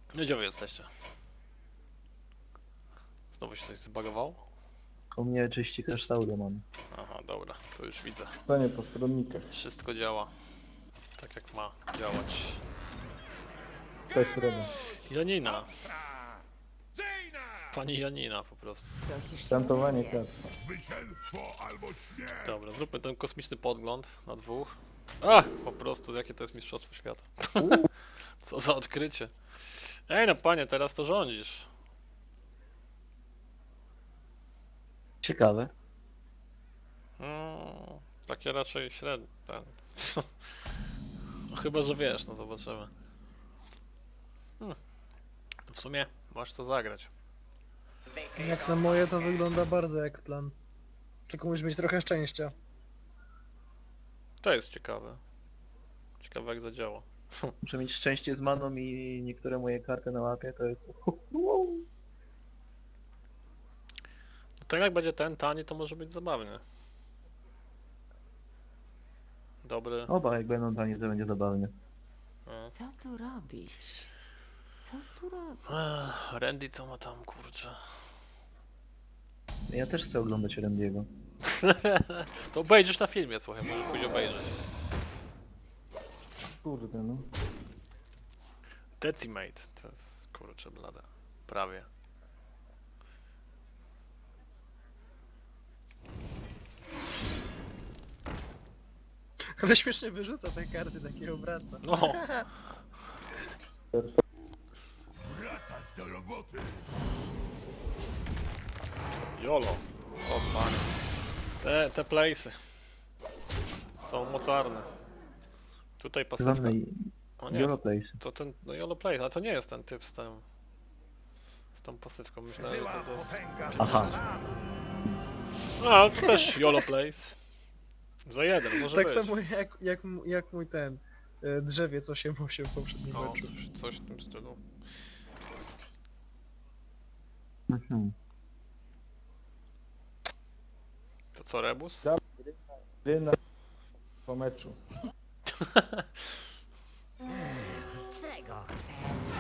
No gdzie wy jesteście? Znowu się coś zbagowało? U mnie czyści kasztaury mam. Aha, dobra, to już widzę. Stanie po stronnikach. Wszystko działa tak jak ma działać. Tak, prawda. Janina. Pani Janina po prostu. Szantowanie kart. Dobra, zróbmy ten kosmiczny podgląd na dwóch. A! Po prostu, jakie to jest mistrzostwo świata. Co za odkrycie. Ej no panie, teraz to rządzisz. Ciekawe. Takie raczej średnie. No, chyba, że wiesz, no zobaczymy. W sumie masz co zagrać. Jak na moje to wygląda bardzo jak plan. Tylko musisz mieć trochę szczęścia. To jest ciekawe. Ciekawe jak zadziała. Muszę mieć szczęście z maną i niektóre moje karty na łapie to jest... No tak jak będzie ten tani, to może być zabawnie. Dobry. Oba jak będą tanie, to będzie zabawnie. No. Co tu robić? Co tu robić? Randy co ma tam, kurczę. Ja też chcę oglądać Randy'ego. To obejrzysz na filmie, słuchaj, możesz pójść obejrzeć. Kurde no. Decimate, to jest, kurczę blada. Prawie. Ale śmiesznie wyrzuca te karty, takie obraca. No, jolo. O panie. Te place'y są mocarne. Tutaj pasywka. Zwany O nie, Europlace. to ten, no Yolo Place, a to nie jest ten typ z tą pasywką, myślałem, że to jest... Aha. A, to też Yolo Place. Za jeden, może Tak być. samo jak mój ten drzewiec 8-8 w poprzednim No, meczu. coś w tym stylu. Mhm. To co, Rebus? Gry na... po meczu. Czego chcesz?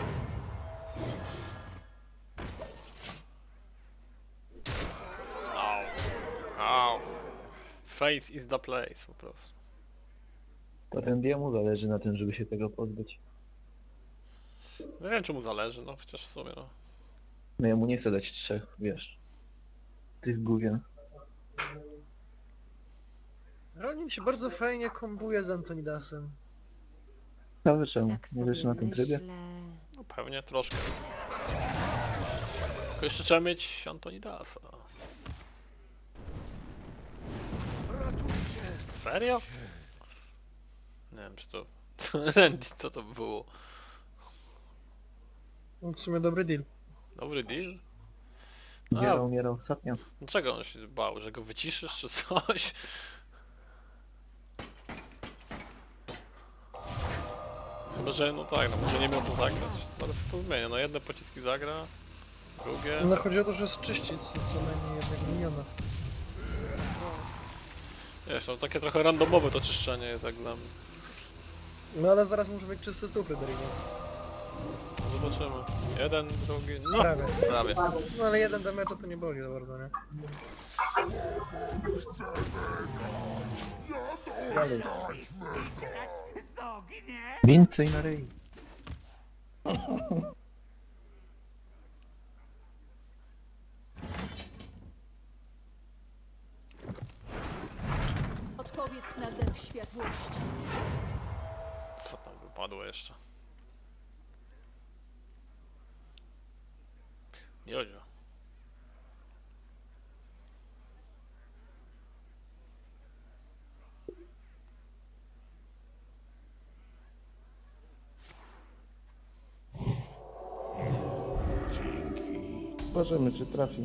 Au. Au. Face is the place, po prostu. To Randy'emu zależy na tym, żeby się tego pozbyć. Nie wiem, czy mu zależy, no chociaż w sumie, no. No ja mu nie chcę dać trzech, wiesz. Tych gówien. Ronin się bardzo fajnie kombuje z Antonidasem. Ciekawe czemu? Tak Nie wiesz sobie na tym trybie? myślę. No pewnie troszkę. Tylko jeszcze trzeba mieć Antonidasa. Serio? Nie wiem, czy to... Randy, co to było? No, w sumie dobry deal. Dobry deal? Umierał, umierał ostatnio. Dlaczego on się bał? Że go wyciszysz czy coś? Chyba, że no tak, no może nie miał co zagrać. Ale co to zmienia? No jedne pociski zagra, drugie... No chodzi o to, że zczyścić co najmniej jednego miniona. Wiesz, no takie trochę randomowe to czyszczenie jest jak dla mnie. No ale zaraz może być czysty stół Fryderyk, więc No zobaczymy. Jeden, drugi... No! prawie. Prawie. No ale jeden damage to nie boli za bardzo, nie? Dalej. Więcej na ryj. Odpowiedz na zew światłości. Co tam wypadło jeszcze? Jodzio. Zobaczymy czy trafi.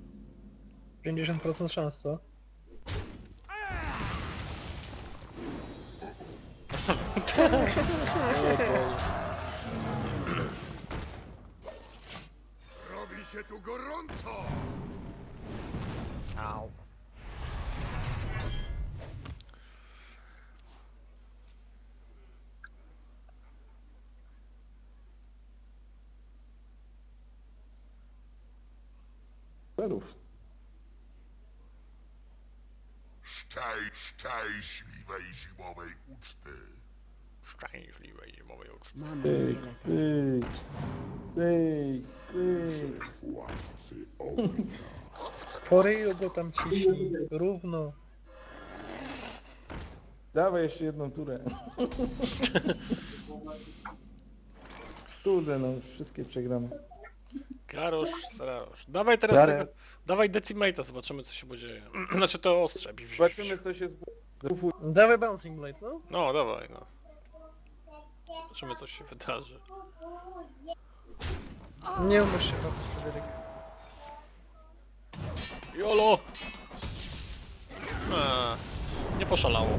50% szans, co? Robi się tu gorąco! Au. Perów. Szczęśliwej zimowej uczty. Szczęśliwej zimowej uczty. Mam Pyk, wiele pyk, pyk, pyk. Władcy Po ryju go tam ciśnij. Równo. Dawaj jeszcze jedną turę. Kurde, no wszystkie przegramy. Karosz, Sararosz. Dawaj teraz Darek. tego. Dawaj Decimate'a, zobaczymy co się dzieje. Znaczy to ostrze. Zobaczymy co się zbufuj. Dawaj Bouncing Blade, no. No, dawaj, no. Zobaczymy co się wydarzy. Nie umiesz się robić, Fryderyk. Jolo! Nie poszalało.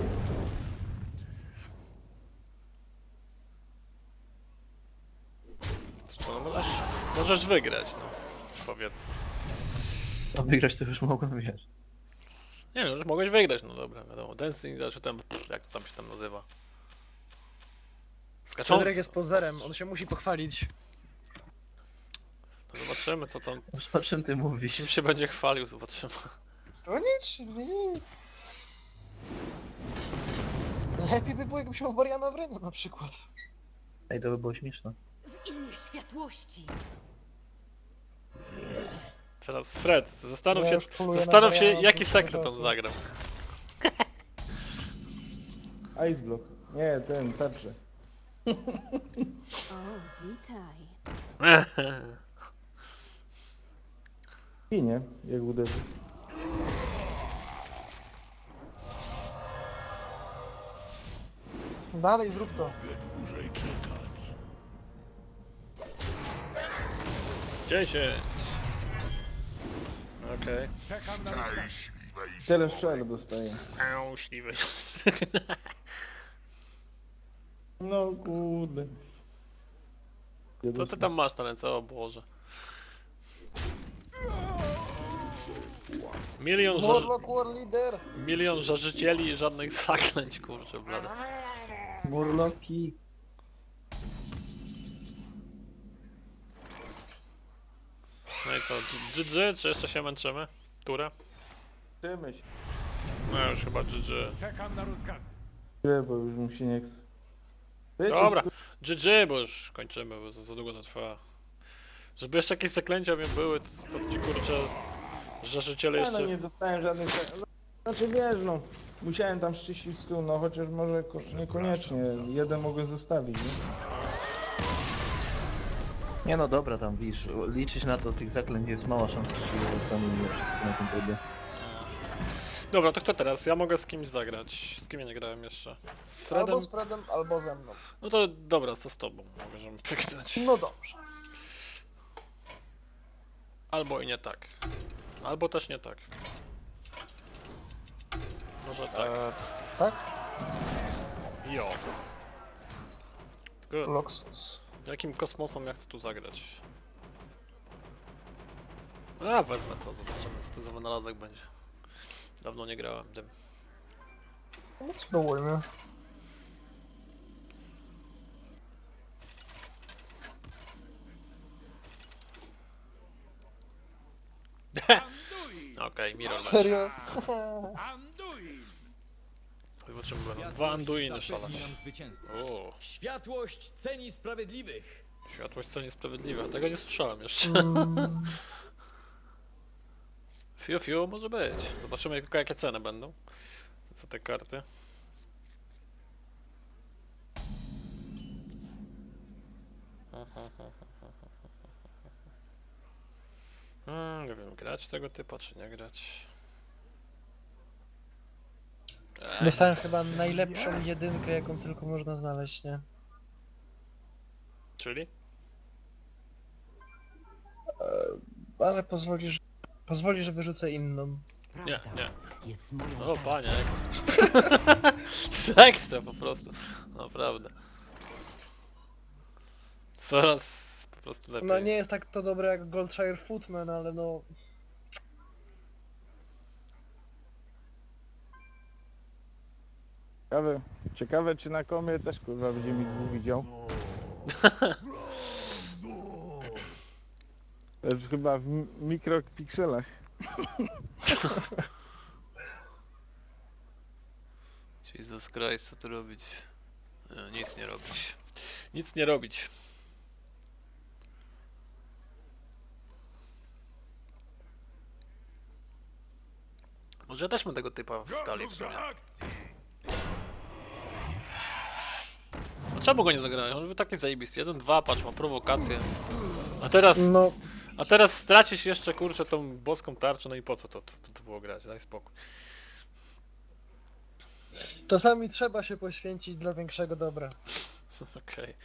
No, możesz wygrać, no. Powiedzmy. A wygrać to już mogłem, wiesz. Nie no, już mogłeś wygrać, no dobra, wiadomo. Dancing, czy tam, jak to tam się tam nazywa. Skaczący. Fryderyk jest pozerem, on się musi pochwalić. No zobaczymy co tam, O czym ty mówisz? czym się będzie chwalił, zobaczymy. O nic, nic. Lepiej by było, jakbyś miał Wariana w ręku na przykład. Ej, to by było śmieszne. w imię światłości. Teraz Fred, Ja już poluję na zastanów się Mariana jaki od sekret czasu. on zagrał. Ice block. Nie, ten, tarczę. O, witaj. Ginie, jak uderzy. Dalej, zrób to. dłużej czekać. 10. Okej. Szczęśliwej Tyle szczel dostaje. Śliwy. No kurde. Co ty tam masz na ręce? O Boże. Warlock War Leader. Milion żarzycieli i żadnych zaklęć, kurczę blade. Murloki. No i co, GG, czy jeszcze się męczymy? Turę? Trzymaj się, No już chyba GG. bo już mu się nie chce. Wiecie, Dobra, GG, bo już kończymy, bo za długo to trwa. Żeby jeszcze jakieś zaklęcia mnie były, to co ci kurczę, żarzyciele Ja no jeszcze... nie dostałem żadnych... Znaczy wiesz, no, musiałem tam szczyścić stół, no chociaż może niekoniecznie, jeden mogę zostawić, nie? Nie no dobra, tam widzisz, liczyć na to tych zaklęć jest mała szansa, że się zostaną mimo wszystko na tym trybie. Dobra, to kto teraz? Ja mogę z kimś zagrać. Z kim ja nie grałem jeszcze? Z Fredem? Albo z Fredem, albo ze mną. No to dobra, co z tobą? Możemy pyknąć. No dobrze. Albo i nie tak. Albo też nie tak. Może tak. Tak? Jo. Tylko Loxus. jakim kosmosem ja chcę tu zagrać? A, wezmę to, zobaczymy co to za wynalazek będzie. Dawno nie grałem tym. No spróbujmy. Okej, Mirror Match. Serio? Zobaczymy, będą dwa Anduiny szalać. O, Światłość ceni sprawiedliwych. światłość cenie sprawiedliwe. Tego nie słyszałem jeszcze. Fiu, fiu, może być. Zobaczymy jakie ceny będą za te karty. Nie wiem, grać tego typu, czy nie grać. Dostałem chyba najlepszą jedynkę, jaką tylko można znaleźć, nie? Czyli? Ale pozwoli, że wyrzucę inną. Nie, nie. Jest moją O, kartą. panie, ekstra. Ekstra po prostu. Naprawdę. Coraz po prostu lepiej. No nie jest tak to dobre jak Goldshire Footman, ale no... Ciekawe czy na komie też kurwa będzie mi dwóch widział. To już chyba w mikropikselach. Jesus Christ, co tu robić? Nic nie robić. Nic nie robić. Może ja też mam tego typa w talii w sumie. A czemu go nie zagrałem? On był taki zajebisty. 1-2, patrz, ma prowokację. A teraz... No. A teraz stracisz jeszcze, kurczę, tą boską tarczę, no i po co to było grać? Daj spokój. Czasami trzeba się poświęcić dla większego dobra. Okej.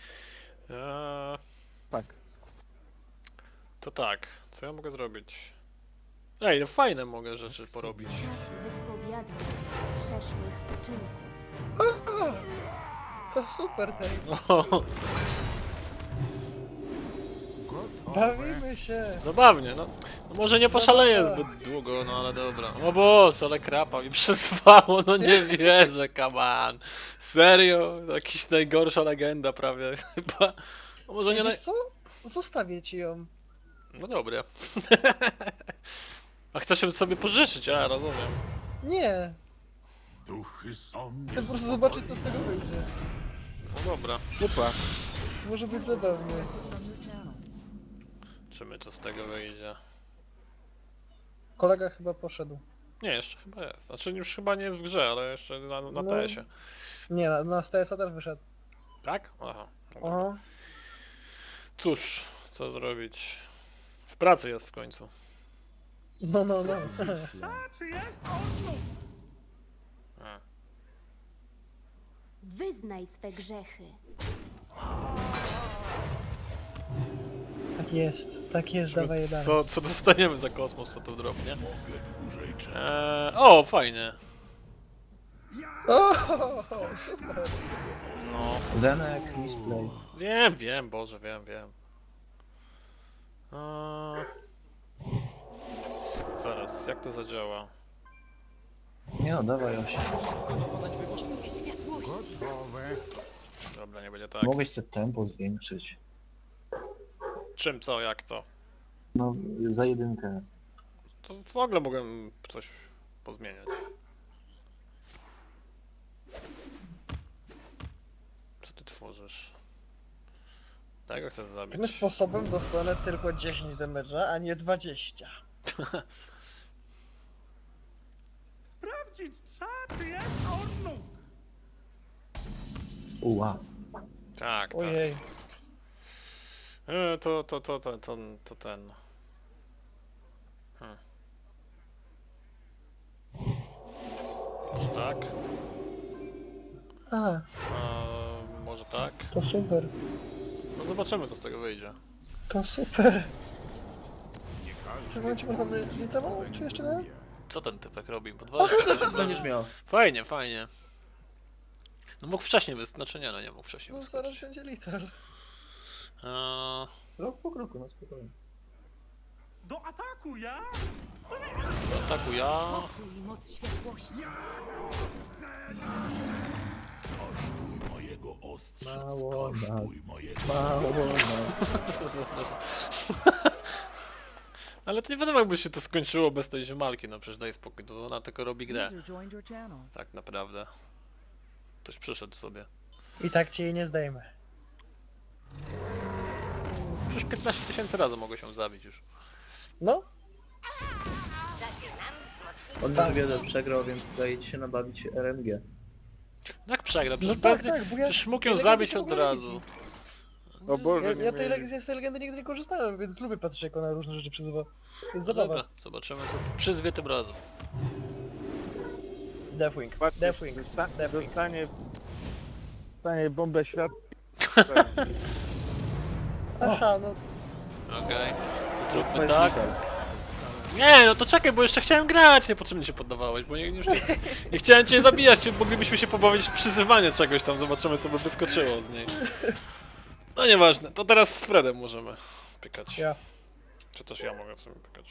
Tak. To tak, co ja mogę zrobić? Ej, no fajne mogę rzeczy porobić. Czas wyspowiadać się z przeszłych uczynków. To super, tej. O, Bawimy się. zabawnie, no. No może nie poszaleję zbyt długo, no ale dobra. O Boże, ale krapa mi przysłało, no nie wierzę, come on. Serio? Jakiś najgorsza legenda prawie chyba. No może nie Wiesz naj... co? Zostawię ci ją. No dobra. A chcesz ją sobie pożyczyć, ja rozumiem. Nie. Duchy są Chcę po prostu zobaczyć, co z tego wyjdzie. No dobra. Super. Może być zabawnie. Czy my co z tego wyjdzie? Kolega chyba poszedł. Nie, jeszcze chyba jest. Znaczy już chyba nie jest w grze, ale jeszcze na No. TS-ie. Nie, na STS-a też wyszedł. Tak? Aha. Dobra. Aha. Cóż, co zrobić? W pracy jest w końcu. No. A. Wyznaj swe grzechy. Tak jest, dawaj je dalej. Co dostaniemy za kosmos, co to drobnie? dłużej czekać. O, fajnie. O, super. No, Zenek, misplay. wiem, Boże, wiem. Zaraz, jak to zadziała? Nie no, dawaj 8. Światłości. Dobra, nie będzie tak. Mogłeś to tempo zwiększyć. Czym, co, jak, co? No, za jedynkę. To w ogóle mogłem coś pozmieniać. Co ty tworzysz? Tego chcę zabić. Tym sposobem dostanę tylko 10 damage'a, a nie 20. Sprawdzić trzeba, czy jest on. Uła. Tak. Ojej. To ten. Może tak? A, Może tak? to super. No zobaczymy, co z tego wyjdzie. To super. W tym momencie można by nie dawał, czy jeszcze nie? Co ten typek robi? Podważa? Będziesz miał. Fajnie. No mógł wcześniej znaczy nie, no nie mógł wcześniej No zaraz wyskoczyć. będzie liter. Rok po kroku, no spokojnie. Do ataku, ja? Ataku ja. Pokój i moc światłości. Kosztuj mojego ostrza. Mało nas. Kosztuj mojego... Mało, no. Ale to nie wiadomo, jakby się to skończyło bez tej ziemalki, no przecież daj spokój, to ona tylko robi grę. User joined your channel. Tak naprawdę. Ktoś przyszedł sobie. I tak ci jej nie zdejmę. Przecież 15 000 razy mogę się zabić już. No, On już wiele przegrał, więc daje ci się nabawić RNG. Jak przegra? Przecież, No tak, bez... tak, bo ja- Przecież mógł tej ją legendy zabić się w od ogóle nie razu. widzi. O Boże, ja, nie ja wiem. z tej legendy nigdy nie korzystałem, więc lubię patrzeć, jak ona różne rzeczy przyzywa. To jest zabawa. Dobra, zobaczymy, co przyzwie tym razem. Deathwing, Patrzcie, Deathwing, Deathwing. dostanie bombę świat. Aha, no Okej. Zróbmy tak. Nie, no to czekaj, bo jeszcze chciałem grać, niepotrzebnie się poddawałeś, bo nie chciałem cię zabijać, moglibyśmy się pobawić w przyzywanie czegoś tam, zobaczymy co by wyskoczyło z niej. No nieważne, to teraz z Fredem możemy pykać. ja. Czy też ja mogę w sumie pykać.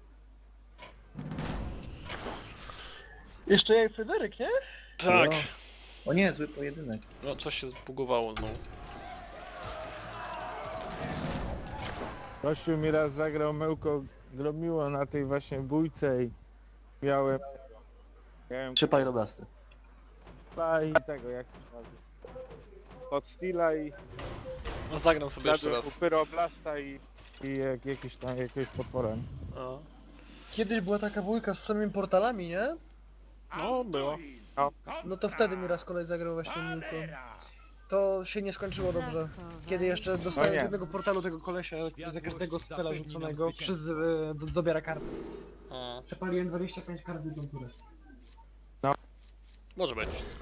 Jeszcze ja i Fryderyk, nie? Tak, O nie, zły pojedynek. no coś się zbugowało znowu. Kościół mi raz zagrał Mełko Gromiło na tej właśnie bójce i miałem... Miałem 3 pyroblasty. Stila i tego, jak to się nazywa. Od Stila i No zagram sobie jeszcze jadłem raz. u Pyroblasta i jakiś tam, jakiegoś potwora. nie? O. Kiedyś była taka bójka z samymi portalami, nie? No, było. No to wtedy mi raz kolej zagrał właśnie Milko. To się nie skończyło dobrze. Kiedy jeszcze dostałem nie. z jednego portalu tego kolesia za każdego spela rzuconego, dobiera karty. O. Przepaliłem 25 kart w tą turę. Może być wszystko.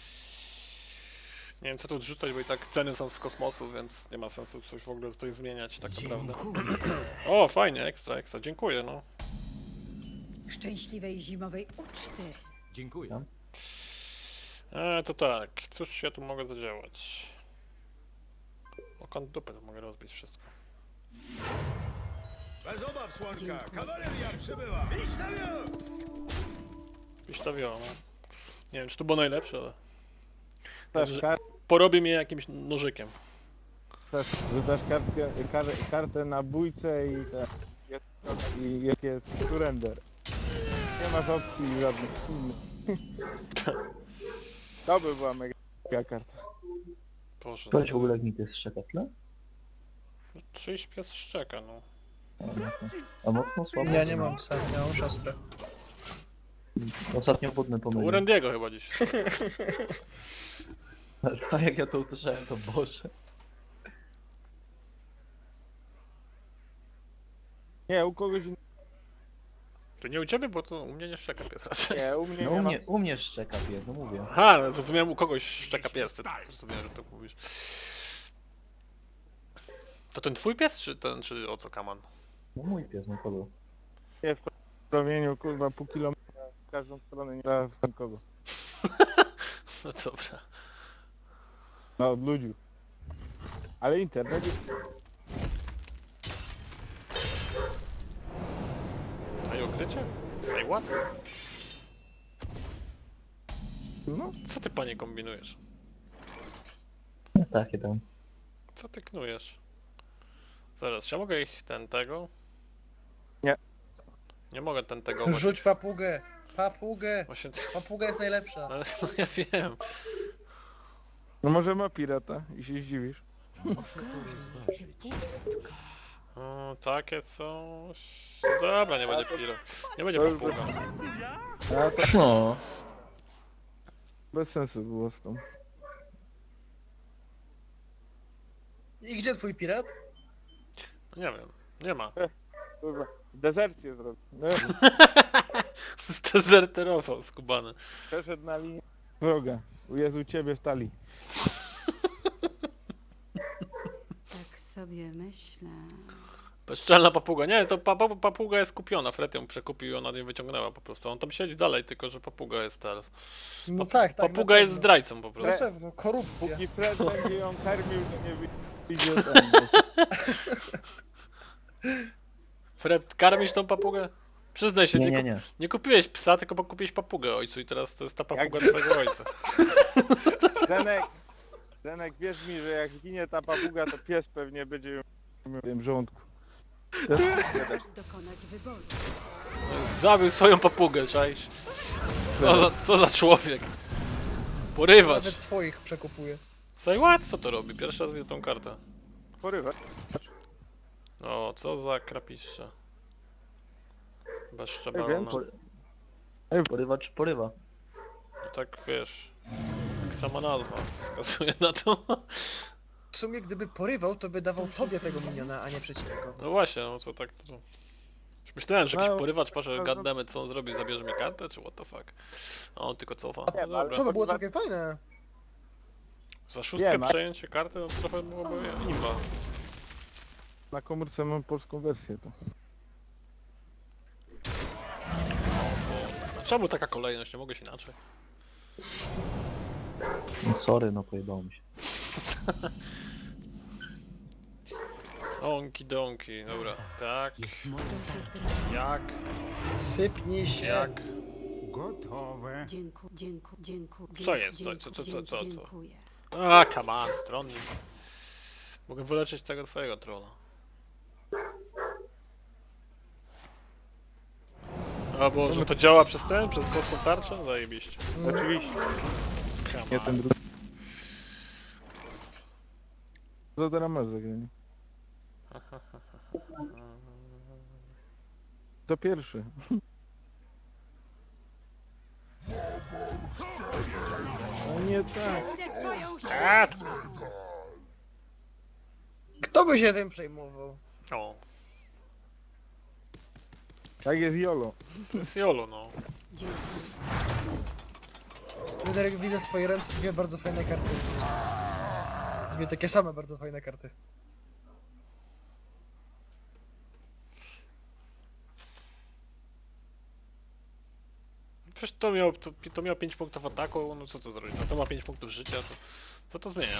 Nie wiem co tu odrzucać, bo i tak ceny są z kosmosu, więc nie ma sensu coś w ogóle tutaj zmieniać tak naprawdę. O, fajnie, ekstra, ekstra, dziękuję no. Szczęśliwej zimowej uczty. Dziękuję. To tak, cóż ja tu mogę zadziałać? O kąt dupy to mogę rozbić wszystko. Bez obaw, Słonka! Kawaleria przybywa! Wistawio, no. Nie wiem czy to było najlepsze, ale Też Także- porobię mnie jakimś nożykiem. rzucasz kartę na bójce i i jak jest surrender. Nie masz opcji żadnych. To by była mega karta. Boże, Ktoś w ogóle jak mi pies szczeka tle? czyjś pies szczeka, no. A mocno słabo? Ja nie mam psa, ja mam siostrę. Ostatnio wodny U pomyliłem. Randiego chyba dziś. A jak ja to usłyszałem, to Boże. Nie, u kogoś innego. To nie u ciebie, bo to u mnie nie szczeka pies raczej. Nie, u mnie No nie ma. u mnie szczeka pies, no mówię. Aha, no zrozumiałem u kogoś szczeka pies, ty zrozumiałem, że tak mówisz. To ten twój pies, czy ten, czy o co kaman? No mój pies, no kogo? Nie w promieniu, kurwa, pół kilometra w każdą stronę, nie da w kogo. No dobra. No, od ludzi. Ale internet jest... A i ukrycie? Say what? No, Co ty panie kombinujesz? No takie tam. Co ty knujesz? Zaraz, czy ja mogę ich tego? Nie. Nie mogę tego właśnie. Rzuć papugę! Papugę! Właśnie, Papuga jest najlepsza. ale no ja wiem. no może ma pirata i się zdziwisz. O, takie coś. Dobra, nie będzie piro. Nie będzie papuga. A to No. bez sensu było z tą. I gdzie twój pirat? No nie wiem, nie ma. Kurwa, dezercję zrobił. No, Zdezerterował skubany. przeszedł na linię wroga. U Jezu ciebie stali. Tak sobie myślę. Bezczelna papuga. Nie, to papuga jest kupiona. Fred ją przekupił i ona nie wyciągnęła po prostu. On tam siedzi dalej, tylko że papuga jest No tak, tak. Papuga na jest pewno. zdrajcą po prostu. Na pewno, korupcja. Póki Fred będzie ją karmił, to nie wyjdzie tam. Fred, karmisz tą papugę? Przyznaj się, Nie. nie kupiłeś psa, tylko kupiłeś papugę ojcu i teraz to jest ta papuga twojego ojca. Zenek, wierz mi, że jak zginie ta papuga, to pies pewnie będzie ją w tym żołądku. Chcesz dokonać wyboru. Zabił swoją papugę, czaisz? Co za człowiek? Porywacz. Nawet swoich przekupuje. Say what? Co to robi? Pierwszy raz widzę tą kartę. Porywa. O, co za krapiszcze. wiem, Bezszczebalona. Porywacz porywa. No tak wiesz. Tak sama nazwa wskazuje na to. W sumie gdyby porywał, to by dawał tobie tego miniona, a nie przeciwnikowi. No właśnie, no to tak to... Już myślałem, że jakiś No, porywacz, patrzę, gadamy co on zrobi, zabierze mi kartę, czy what the fuck. A on tylko cofa. No ale dobra. To by było całkiem fajne. Za szóstkę Wiem, a- przejęcie karty, no to trochę byłoby imba. Na komórce mam polską wersję to. A czemu taka kolejność? Nie mogę się inaczej. No sorry, no pojebało mi się. Onki donki, dobra. Tak, jak, Sypnij się. jak. Gotowe. Dziękuję. Co jest? Co? Dziękuję. A, come on, stronnik. Mogę wyleczyć tego twojego trolla. A bo, że to działa przez prostą tarczę? Zajebiście. Oczywiście, Come nie on. ten drugi. Co teraz masz zagranie? To pierwszy. No nie tak. A, Kto by się tym przejmował? o, Tak jest Jolo. to jest Jolo, no. Dziękuję. Fryderyk, widzę w twojej ręce dwie bardzo fajne karty. Dwie takie same bardzo fajne karty. Przecież to miało 5 punktów ataku, no co to zrobić? A to ma 5 punktów życia, to co to zmienia?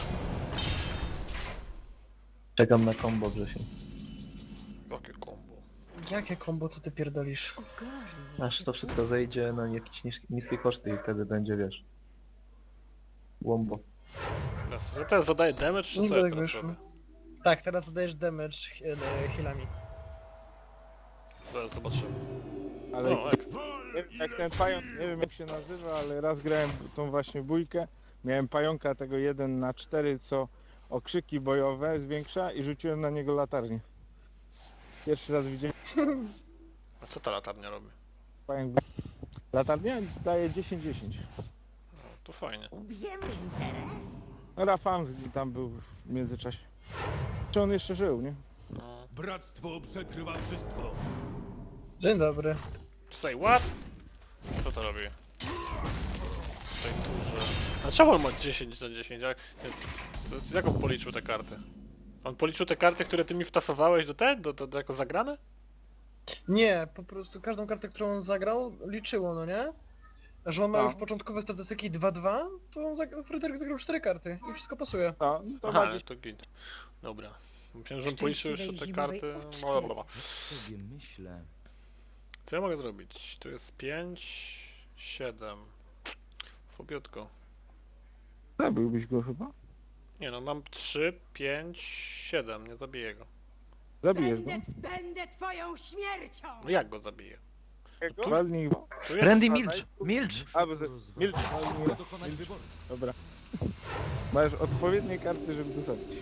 Czekam na combo, Grzesiu. Jakie kombo. Jakie kombo, co ty pierdolisz? Ogarnij. Aż to wszystko zejdzie na jakieś niskie koszty i wtedy będzie, wiesz... Łombo. Teraz zadaję damage, czy Niby co ja tak teraz wyszło. robię? Tak, teraz zadajesz damage healami. Zaraz zobaczymy. Ale O, ekstra. jak ten pająk, nie wiem jak się nazywa, ale raz grałem tą właśnie bójkę. Miałem pająka tego 1/4, co okrzyki bojowe zwiększa i rzuciłem na niego latarnię. Pierwszy raz widziałem A co ta latarnia robi? pająk. Latarnia daje 10-10. No, to fajnie. No Rafał tam był w międzyczasie. Czy on jeszcze żył, nie? No. Bractwo przekrywa wszystko. Dzień dobry. Say what? Co to robi? Tutaj duże. A czemu on ma 10 na 10? Jak on policzył te karty? On policzył te karty, które ty mi wtasowałeś do jako zagrane? Nie, po prostu każdą kartę, którą on zagrał, liczyło, no nie? Że on ma No. już początkowe statystyki 2-2, to on Fryderyk zagrał 4 karty i wszystko pasuje. No, to Aha, ma ale to git. Dobra. Myślałem, że on policzył jeszcze te Szczęśliwej karty. zimowej uczty. Blablabla. sobie myślę. Co ja mogę zrobić? Tu jest 5, 7. Słabiutko. Zabiłbyś go chyba? Nie no, mam 3, 5, 7. Nie zabiję go. Zabijesz go. Będę twoją śmiercią! No jak go zabiję? Walnij go. Tu jest... Randy, milcz! Milcz! A, bo milcz. By dokonać wyboru. Dobra. Masz odpowiednie karty, żeby to zabić.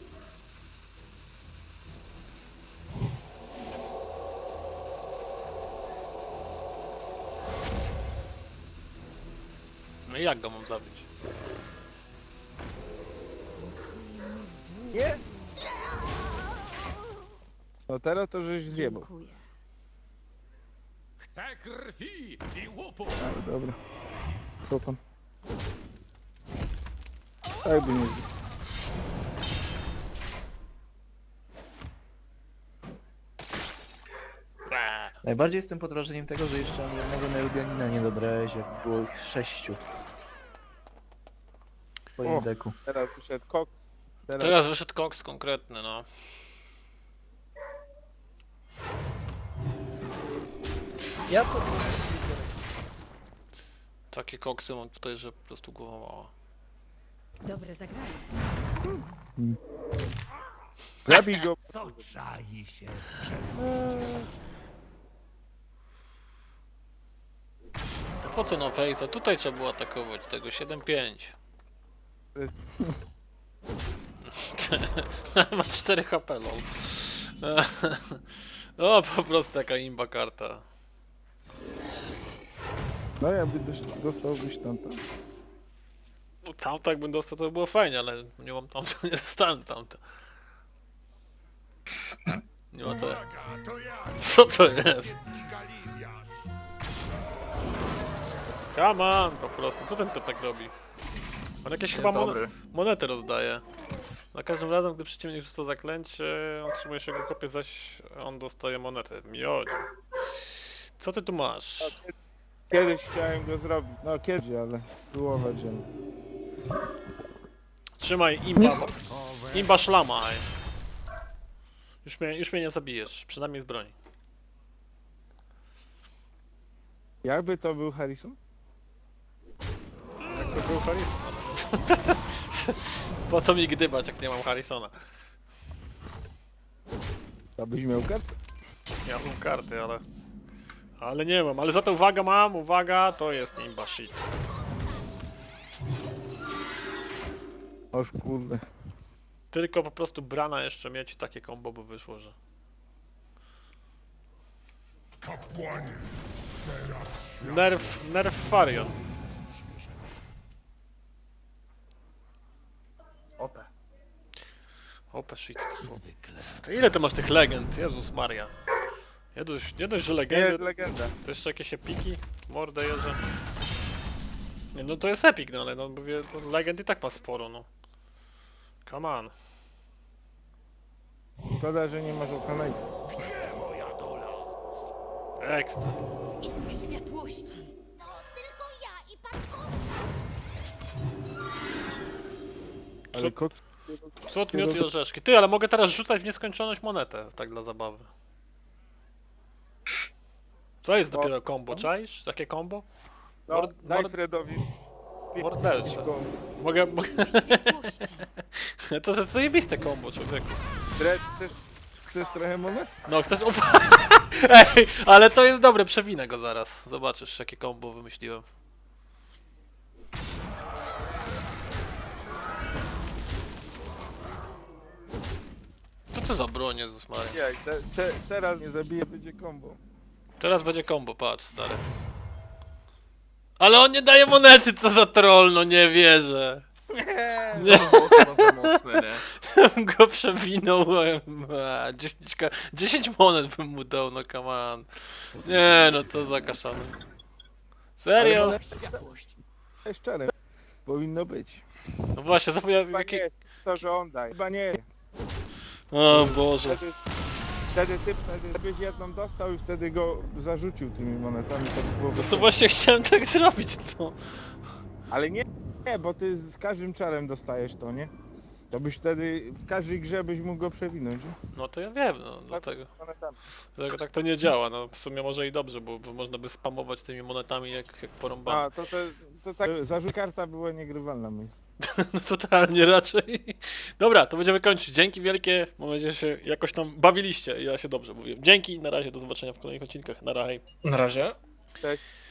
No i jak go mam zabić? Nie! No teraz to żeś zjebał. Dziękuję. Chcę krwi i łupu. A, dobra. Co tam? Tak by nie zjebał. Eee. Najbardziej jestem pod wrażeniem tego, że jeszcze ani jednego Neudianina nie dobrałeś, jak było ich 6. W twoim O. deku. Teraz wyszedł Cox. Teraz wyszedł koks konkretny, no. Ja to... Takie koksy mam tutaj, że po prostu głowa mała. Dobre zagranie. Zabij go. Co czai się? To po co na face'a? Tutaj trzeba było atakować tego 7-5. Ma 4 HP, lol. No po prostu taka imba karta. No jakby dostałbyś tamto. No, tamto jakbym dostał to by było fajnie, ale nie mam tamto, nie dostałem tamto. Nie ma to. Uwaga, to ja, Co to jest? Galiwiarz. Come on, po prostu. Co ten typek robi? On jakieś chyba monety rozdaje. Za każdym razem, gdy przeciwnik rzuca zaklęcie, otrzymuje się jego kopię, zaś on dostaje monetę. Miodzie. Co ty tu masz? Kiedyś chciałem go zrobić. No kiedyś, ale spróbować ją. Trzymaj imba, imba szlamaj. Już mnie nie zabijesz, przynajmniej z broni. Jakby to był Harrison? Jak to był Harrison, ale... Po co mi gdybać, jak nie mam Harrisona? To byś miał kartę. Ja mam karty, ale... Ale nie mam, ale za to uwaga mam, uwaga, to jest imba shit. Oż kurde. Tylko po prostu brana jeszcze mieć i takie combo by wyszło, że... Kapłanie, Nerf Farion. Ope. Ope shit. To ile ty masz tych legend? Jezus Maria. Nie dość, że Nie, legendy, legenda. to jeszcze jakieś epiki? Mordę jeżdżę. Nie, no to jest epic, no ale no mówię, no, legend i tak ma sporo, no. Come on. Szkoda, że nie masz okanej. Ekstra. Światłości. Ale kot... Słod, miód i orzeszki. Ty, ale mogę teraz rzucać w nieskończoność monetę, tak dla zabawy. Co jest dopiero combo, czaisz? Takie combo? No, daj Fredowi. Mordercze. Mogę... To jest zajebiste combo, człowieku. Dred, chcesz trochę monet? No, chcesz... Ej, ale to jest dobre, przewinę go zaraz. Zobaczysz, jakie combo wymyśliłem. Co to za broń, Jezus Maria? Nie, teraz nie zabije, będzie combo. Teraz będzie combo, patrz, stary. Ale on nie daje monety, co za troll, no nie wierzę. Nie. Mocne, nie? Bym go przewinąłem. 10 monet bym mu dał, no come on. Nie, no co za kaszany. Serio? Ale szczere. Powinno być. No właśnie, zapomniałem Chyba jaki... nie, to że on daje. Chyba nie. O Boże. Wtedy byś jedną dostał i wtedy go zarzucił tymi monetami. Tak było No to właśnie chciałem tak zrobić, co? Ale nie, bo ty z każdym czarem dostajesz to, nie? To byś wtedy, w każdej grze byś mógł go przewinąć, nie? No to ja wiem, no dlatego tak to nie działa, no w sumie może i dobrze, bo można by spamować tymi monetami jak porąbane. A, to tak, zarzut karta była niegrywalna, myślę. No totalnie raczej. Dobra, to będziemy kończyć. Dzięki wielkie, mam nadzieję, że się jakoś tam bawiliście. Ja się dobrze mówię. Dzięki, na razie, do zobaczenia w kolejnych odcinkach. Na razie. Na razie. Cześć.